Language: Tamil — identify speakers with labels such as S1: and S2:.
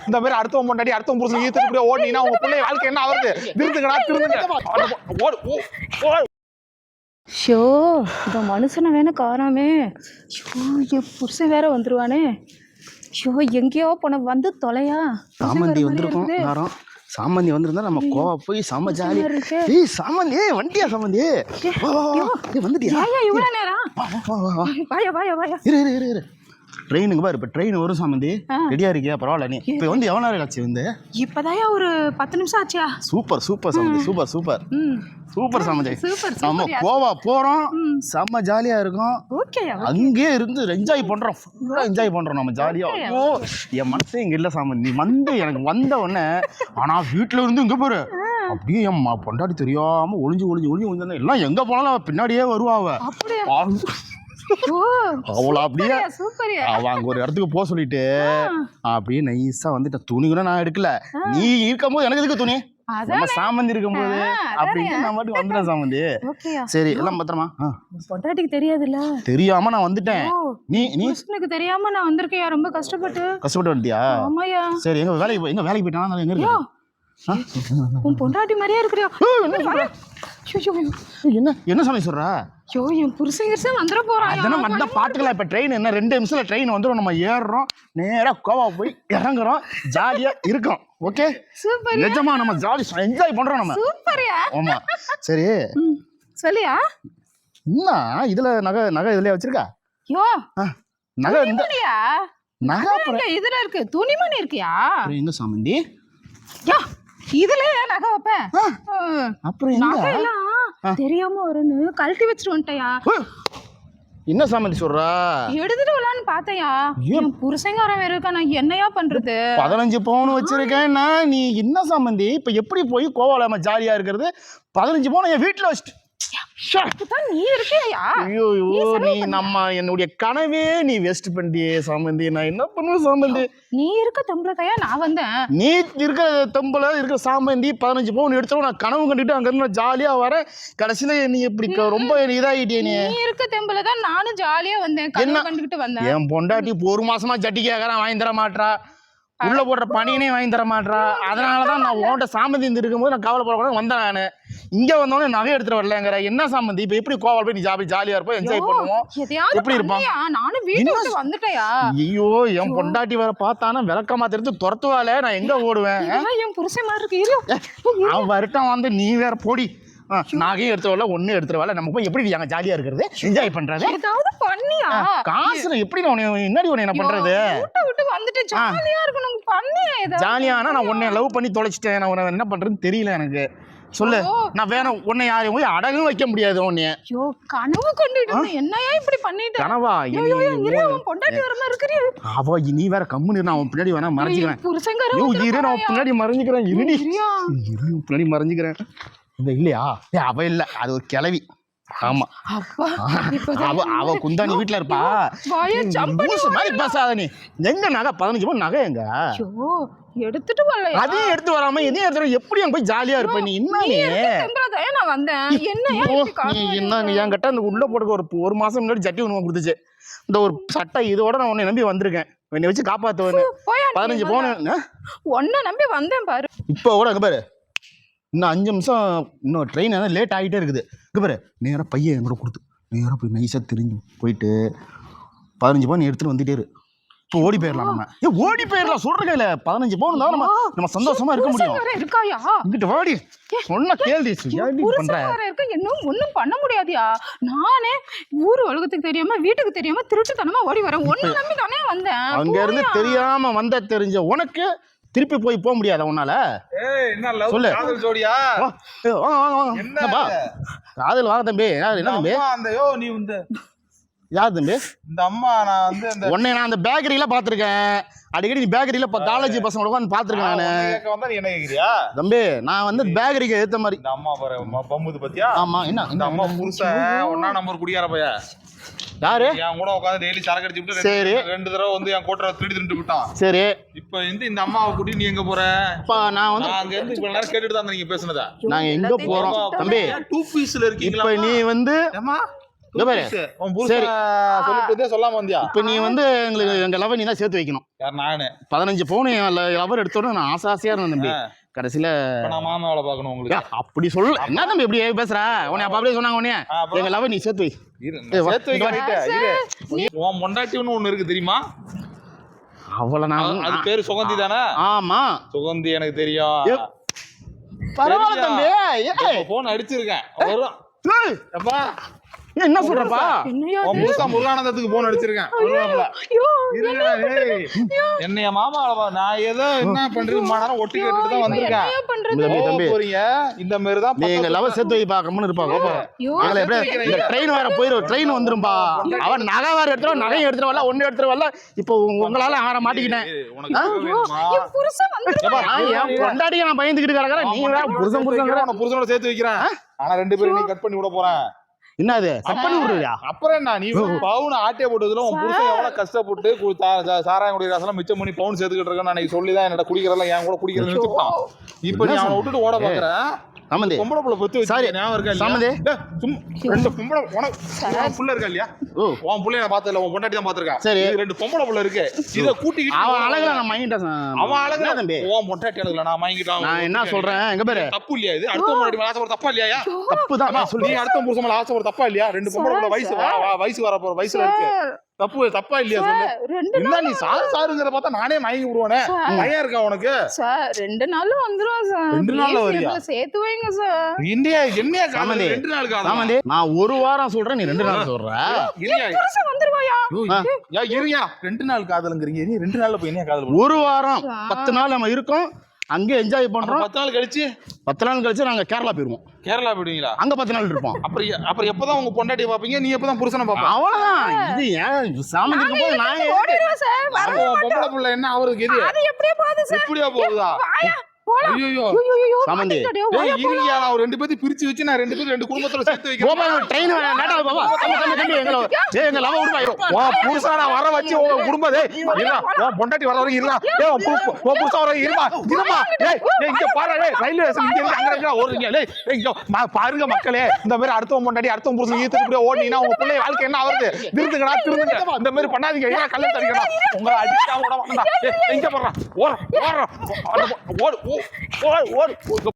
S1: இந்த மாதிரி அடுத்தவன் பொண்டாட்டி அடுத்தவன் புருஷன் ஈர்த்துட்டு ஓடினா உங்க பிள்ளை வாழ்க்கை என்ன ஆகுது? திருந்துங்கடா திருந்துங்க.
S2: ஷோ இந்த மனுஷனை வேணா காணாமே. ஷோ என் புருஷன் வேற வந்துருவானே. ஷோ எங்கேயோ போன வந்து தொலையா.
S3: சாமந்தி வந்திருக்கோம் நேரம். சாமந்தி வந்திருந்தா நம்ம கோவா போய் செம்ம ஜாலி. ஏய் சாமந்தி வண்டியா சாமந்தி வந்துட்டியா?
S2: இவ்வளவு நேரம் வாயா வாயா வாயா.
S3: இரு ட்ரெயினுக்கு பாரு. இப்போ ட்ரெயின் வரும் சாமந்தி. ரெடியா இருக்கியா? பரவாயில்ல. நீ இப்போ வந்து எவ்வளோ நேரம் ஆச்சு வந்து?
S2: இப்போதாயா ஒரு 10 நிமிஷம் ஆச்சியா?
S3: சூப்பர் சாமந்தி. சூப்பர் சாமந்தி. நம்ம கோவா போறோம். செம்ம ஜாலியா இருக்கும். அங்கேயே இருந்து என்ஜாய் பண்றோம். ஃபுல்லா என்ஜாய் பண்றோம் நம்ம ஜாலியா. என் மனசே இங்க இல்ல சாமந்தி. நீ வந்து எனக்கு வந்த உடனே ஆனா வீட்டுல இருந்து இங்க பாரு அப்படியே என் பொண்டாட்டி தெரியாம ஒளிஞ்சு எல்லாம் எங்க போனாலும் பின்னாடியே வருவாங்க. அவளை அப்படியே அவ அங்க ஒரு இடத்துக்கு போக சொல்லிட்டு அப்படியே நைஸா வந்துட்ட. துணி கூட நான் எடுக்கல. நீ இருக்கும் போது எனக்கு எதுக்கு துணி? நம்ம சாமந்தி இருக்கும் போது அப்படின்னு நான் மட்டும் வந்துட்டேன் சாமந்தி. சரி எல்லாம் பத்திரமா?
S2: பொண்டாட்டிக்கு தெரியாதுல்ல?
S3: தெரியாம நான் வந்துட்டேன். நீ
S2: எனக்கு தெரியாம நான் வந்திருக்கேன். ரொம்ப கஷ்டப்பட்டு
S3: வந்துட்டியா?
S2: ஆமாயா.
S3: சரி எங்க வேலைக்கு போயிட்டானா? எங்க இருக்கு?
S2: உன் பொண்டாட்டி மாதிரியே இருக்கிறியா?
S3: என்ன சாமி சொல்ற?
S2: ஐயோ என் புருஷன் வந்துட போறான்.
S3: அதெல்லாம் வந்தா பாத்துக்கலாம். இப்ப ட்ரெயின் என்ன 2 நிமிஷத்துல ட்ரெயின் வந்துடும். நம்ம ஏறுறோம் நேரா கோவா போய் இறங்குறோம். ஜாலியா இருக்கும். Okay
S2: super.
S3: நிஜமா நம்ம ஜாலி என்ஜாய் பண்றோம் நம்ம.
S2: சூப்பர்யா.
S3: ஆமா சரி
S2: சொல்லியா.
S3: என்ன இதுல நகை இதுலயே வச்சிருக்கா?
S2: யோ
S3: நகை இந்த
S2: நகை இதுல இருக்கு. துணிமணி இருக்கியா?
S3: எங்க சாமந்தி?
S2: யா இதுல நகை வைப்பேன்.
S3: அப்புறம்
S2: நகை எல்லாம் தெரியாம வரும்னு கழட்டி வச்சிட்டு வந்துட்டயா.
S3: என்ன சாமந்தி சொல்றா?
S2: எடுத்துட்டு வரலான்னு பார்த்தயா. என் புருஷங்காரன் வேற இருக்கா. நான் என்னையா பண்றது?
S3: 15 பவுன் வச்சிருக்கேன்னா நீ என்ன சாமந்தி இப்ப எப்படி போய் கோவால நம்ம ஜாலியா இருக்கிறது? 15 பவுன் என் வீட்டுல வச்சுட்டு
S2: நீ இருக்கியா?
S3: ஐயோ நீ நம்ம என்னுடைய கனவே நீ வேஸ்ட் பண்ணிட்டியே சாமந்தி. நான் என்ன பண்ணுவேன் சாமந்தி?
S2: நீ இருக்க தம்பளத்தையா நான் வந்தேன்.
S3: நீ இருக்க தம்பள இருக்க சாமந்தி 15 பவுன் எடுத்தோம். நான் கனவு கண்டுட்டு அங்க இருந்து ஜாலியா வரேன். கடைசியில நீ இப்படி ரொம்ப இதாகிட்டே. நீ
S2: இருக்க தம்பள தான் நானும் ஜாலியா வந்தேன். கனவு கண்டுகிட்டு வந்தேன்.
S3: என் பொண்டாட்டி 1 மாசமா ஜட்டி கேட்கறான் வாங்கி தர மாட்டா. உள்ள போடுற பணியனே வாங்கி தர மாட்டா. அதனாலதான் நான் உன்கிட்ட சாமந்தி இருக்கும்போது நான் கவலைப்படக்கூடாது வந்தேன். நானு இங்க வந்தோடனே நகை எடுத்துட்டு வரலங்கிற. என்ன சாமந்தி இப்ப எப்படி கோவால போய் நீ ஜாலியா இருப்போம் என்ஜாய் பண்ணுவோம். எப்படி இருப்பான்?
S2: நானும் வீட்டுக்கு வந்துட்டேயா.
S3: ஐயோ என் பொண்டாட்டி வர பார்த்தானா விளக்கமா தெரிஞ்சு துரத்துவால. நான் எங்க ஓடுவேன்?
S2: என் புருஷன் மாதிரி இருக்கு.
S3: அவன் வரட்டும் வந்து நீ வேற போடி. நகையும் எடுத்து வரல ஒன்னும் எடுத்துட்டு வரல. நம்ம போய் எப்படி அங்க ஜாலியா இருக்கிறது என்ஜாய் பண்றது?
S2: ஏதாவது பண்ணியா?
S3: காசுல எப்படி என்னடி என்ன பண்றது?
S2: விட்டு வந்துட்டு ஜாலியா இருக்கணும். பண்ணியா? ஏதாவது
S3: ஜாலியானா நான் உன்னை லவ் பண்ணி தொலைச்சிட்டேன். நான் உன்னை என்ன பண்றதுன்னு தெரியல எனக்கு. சொல்லு. நான் வேற உன்னை யாரையும் போய் அடகும் வைக்க முடியாது. உன்னைய
S2: கனவு கொண்டுட்டு என்னையா இப்படி பண்ணிட்டு?
S3: கனவா?
S2: பொண்டாட்டி வர மாதிரி இருக்கிறீ.
S3: அவ நீ வேற கம்முன்னு நான் உன் பின்னாடி வேணா மறைஞ்சிக்கிறேன். நான் பின்னாடி மறைஞ்சிக்கிறேன். இருடி பின்னாடி மறைஞ்சிக்கிறேன். இல்லையா? அவ இல்ல, அது ஒரு கிளவி. ஆமா அவ குந்தாணி வீட்டுல இருப்பா. மாதிரி பேசாத நீ. எங்க நகை 15 பவுன் நகை எங்க?
S2: எடுத்துட்டு வரல.
S3: அதையும் எடுத்து வராம இதையும் எடுத்து எப்படி அங்க போய் ஜாலியா இருப்ப நீ?
S2: நான் வந்தேன்.
S3: என்ன என்கிட்ட அந்த உள்ள போட்டுக்க ஒரு மாசம் முன்னாடி ஜட்டி ஒண்ணு கொடுத்துச்சு. இந்த ஒரு சட்டை இதோட நான் உன்னை நம்பி வந்திருக்கேன். என்னை வச்சு காப்பாத்துவேன்னு 15 பவுன்
S2: ஒன்ன நம்பி வந்தேன் பாரு.
S3: இப்ப கூட அங்க பாரு இன்னும் 5 நிமிஷம் இன்னும் ட்ரெயின் லேட் ஆகிட்டே இருக்குது. இங்கே பாரு நேராக பையன் என் கூட கொடுத்து நேராக போய் நைஸாக தெரிஞ்சு போயிட்டு 15 பவுன் எடுத்துகிட்டு வந்துட்டே இரு. இப்போ ஓடி போயிடலாம். நம்ம ஓடி போயிடலாம் சொல்கிறேன். இல்லை 15 பவுன் தான் நம்ம சந்தோஷமா இருக்க முடியும். இங்கிட்ட ஓடி சொன்ன கேள்வி
S2: இன்னும் ஒன்றும் பண்ண முடியாதியா. நானே ஊர் உலகத்துக்கு தெரியாம வீட்டுக்கு தெரியாம திருட்டுத்தனமா ஓடி வரேன். ஒன்னு நம்பி தானே வந்தேன்.
S3: அங்க இருந்து தெரியாம வந்த தெரிஞ்ச உனக்கு திருப்பி போக முடியாத உன்னால? சொல்லு. காதல் வாங்க தம்பி. என்ன தம்பி? யார் தம்பி?
S1: இந்த அம்மா. நான் வந்து
S3: உன்னை நான் அந்த பேக்கரியில பாத்துருக்கேன். அடிக்கடி நீ பேக்கரியில காலேஜ் பசங்க உட்காந்து பாத்துருக்கேன் நானு.
S1: என்ன கேக்குறியா
S3: தம்பி? நான் வந்து பேக்கரிக்கு ஏத்த மாதிரி.
S1: இந்த அம்மா பம்புது பத்தியா?
S3: ஆமா. என்ன
S1: இந்த அம்மா புருஷன் 1ஆம் நம்பர் குடியார பையா.
S3: யாரு?
S1: என் கூட உட்காந்து டெய்லி சரக்கு அடிச்சுட்டு
S3: சரி
S1: 2 தடவை வந்து என் கோட்டரை திருட்டு விட்டான்.
S3: சரி
S1: இப்ப இந்த அம்மாவை கூட்டி நீ எங்க போற?
S3: நான் வந்து
S1: அங்க இருந்து இவ்வளவு நேரம் கேட்டுட்டு தான் நீங்க பேசுனதா.
S3: நாங்க எங்க போறோம் தம்பி?
S1: 2 பீஸ்ல இருக்கீங்களா?
S3: இப்ப நீ வந்து இங்க பாரு.
S1: உன் புருஷன் சொல்லிட்டு சொல்லாம வந்தியா?
S3: இப்ப நீ வந்து எங்க லவ் நீ தான் சேர்த்து வைக்கணும்.
S1: யார்? நானு
S3: 15 பவுன் லவர் எடுத்தோட நான் ஆசையா இருந்தேன் தம்பி. கடைசியில
S1: நான் மாமா வேலை பார்க்கணும் உங்களுக்கு.
S3: அப்படி சொல்ல என்ன தம்பி இப்படி பேசுற? உன்னை அப்ப அப்படியே சொன்னாங்க உன்னைய எங்க லவ் நீ சேர்த்து வை.
S1: சேர்த்து வைக்க உன் பொண்டாட்டின்னு ஒண்ணு இருக்கு தெரியுமா?
S3: அவ்வளவு நான்
S1: அது பேரு சுகந்தி தானே?
S3: ஆமா
S1: சுகந்தி எனக்கு தெரியும்.
S3: பரவாயில்ல தம்பி.
S1: போன் அடிச்சிருக்கேன் வரும். அப்பா
S3: என்ன சொல்றப்பா?
S1: உன் புருஷா முருகானந்தத்துக்கு போன் அடிச்சிருக்கேன். என்னைய மாமா நான் ஏதோ என்ன பண்றது நேரம் ஒட்டி கேட்டுட்டு தான் வந்திருக்கேன். போறீங்க இந்த மாதிரி தான்
S3: நீங்க லவ் சேர்த்து வை பாக்கணும்னு இருப்பாங்க. இந்த ட்ரெயின் வேற போயிரும். ட்ரெயின் வந்துரும்பா. அவன் நகை வேற எடுத்துருவா, நகையும் எடுத்துட்டு வரல, ஒண்ணு எடுத்துட்டு வரல. இப்போ உங்களால ஆற மாட்டிக்கிட்டேன். கொண்டாடிக்க நான் பயந்துக்கிட்டு கிடக்குறேன். நீ வேற
S1: புருஷனோட சேர்த்து வைக்கிறேன். ஆனா 2 பேரும் நீ கட் பண்ணி விட போறேன்.
S3: என்னது கட் பண்ணி விடுறியா? அப்புறம்
S1: என்ன நீ பவுன் ஆட்டிய போட்டதுல உன் புருஷன் எவ்வளவு கஷ்டப்பட்டு சாராயம் குடிக்கிற காசெல்லாம் மிச்சம் பண்ணி பவுன் சேர்த்துக்கிட்டு இருக்கேன். நான் சொல்லிதான் என்னோட குடிக்கிறதெல்லாம் என் கூட குடிக்கிறது நிறுத்திட்டான். இப்ப நீ அவனை விட்டுட்டு ஓட பாக்குறேன். பொம்பளை புள்ள பத்து வச்சு ஞாபகம் இருக்கா இல்லையா? ரெண்டு பொம்பளை உனக்கு புள்ள இருக்கா இல்லையா? உன் புள்ளைய நான் பார்த்ததில்ல, உன் பொண்டாட்டி தான் பாத்திருக்கேன். சரி 2 பொம்பளை புள்ள இருக்கு. இத கூட்டிக்கிட்டு அவன் அழகுல நான் மயங்கிட்டேன். அவன் அழகுல தம்பி உன் பொண்டாட்டி அழகுல நான் மயங்கிட்டான். நான் என்ன சொல்றேன் எங்க பேரு தப்பு இல்லையா? இது அடுத்த பொண்டாட்டி மேல ஆசை ஒரு தப்பா இல்லையா? தப்பு தான் சொல்லி அடுத்த புருஷன் மேல ஆசை ஒரு தப்பா இல்லையா? 2 பொம்பளை புள்ள வயசு வர போற வயசுல இருக்கு. தப்பா இல்லையா சொல்லு? என்ன நீ சாருங்கற பார்த்தா நானே மயங்கி விடுவானே. பயம் இருக்கா உனக்கு?
S2: சார் 2 நாள்ல வந்துரும் சார். 2 நாள்ல வரியா? சேர்த்து வைங்க சார்.
S1: இந்தியா என்னையா காமதி 2 நாள் காமதி.
S3: நான் ஒரு வாரம் சொல்றேன், நீ 2 நாள் சொல்ற.
S1: இல்லையா
S2: புருஷன் வந்துருவாயா?
S1: யா இருயா 2 நாள் காதலுங்கறீங்க. நீ 2 நாள்ல போய் என்னையா காதல்?
S3: ஒரு வாரம் 10 நாள் நம்ம இருக்கோம். அங்கே என்ஜாய் பண்றோம்.
S1: 10 நாள் கழிச்சு
S3: நாங்க கேரளா போயிருவோம்.
S1: கேரளா போயிடுவீங்களா? அங்க 10 நாள் இருப்போம். அப்புறம் எப்பதான் உங்க பொண்டாட்டியை பாப்பீங்க? நீ எப்பதான் புருஷனை பாப்ப?
S3: அவ்வளவுதான். இது ஏன் சாமி இருக்கும்போது நான்
S2: ஓடிடுவேன் சார்.
S1: பொம்பளை புள்ள என்ன அவருக்கு இது?
S2: அது எப்படியே போகுது சார்.
S1: எப்படியா போகுதா? ஐயோ
S3: சாமந்தி
S1: இருங்க. நான் 2 பேத்தையும் பிரிச்சு வச்சு நான் 2 பேரும் 2 குடும்பத்தோட சேர்த்து வைக்கிறேன்.
S3: ட்ரெயின் லேட்டா பாபா. எங்க லவ் விடுவா.
S1: புருஷா நான் வர வச்சு உங்க குடும்பம் பொண்டாட்டி வர வரைக்கும் இருடா. புருஷா வர இருமா. இங்க பாரு ரயில்வே ஸ்டேஷன் இங்க இருக்கு. அங்க ஓடுறீங்க. பாருங்க மக்களே, இந்த மாதிரி அடுத்தவன் பொண்டாட்டி அடுத்தவன் புருஷன் ஈத்துட்டு இப்படியே ஓடினீங்கன்னா உங்க பிள்ளை வாழ்க்கை என்ன ஆகுது? திருந்துங்க. இந்த மாதிரி பண்ணாதீங்க. கல்ல தடிக்கணும் உங்களை அடிச்சா கூட வேண்டாம். எங்க போடுறான்? ஓடு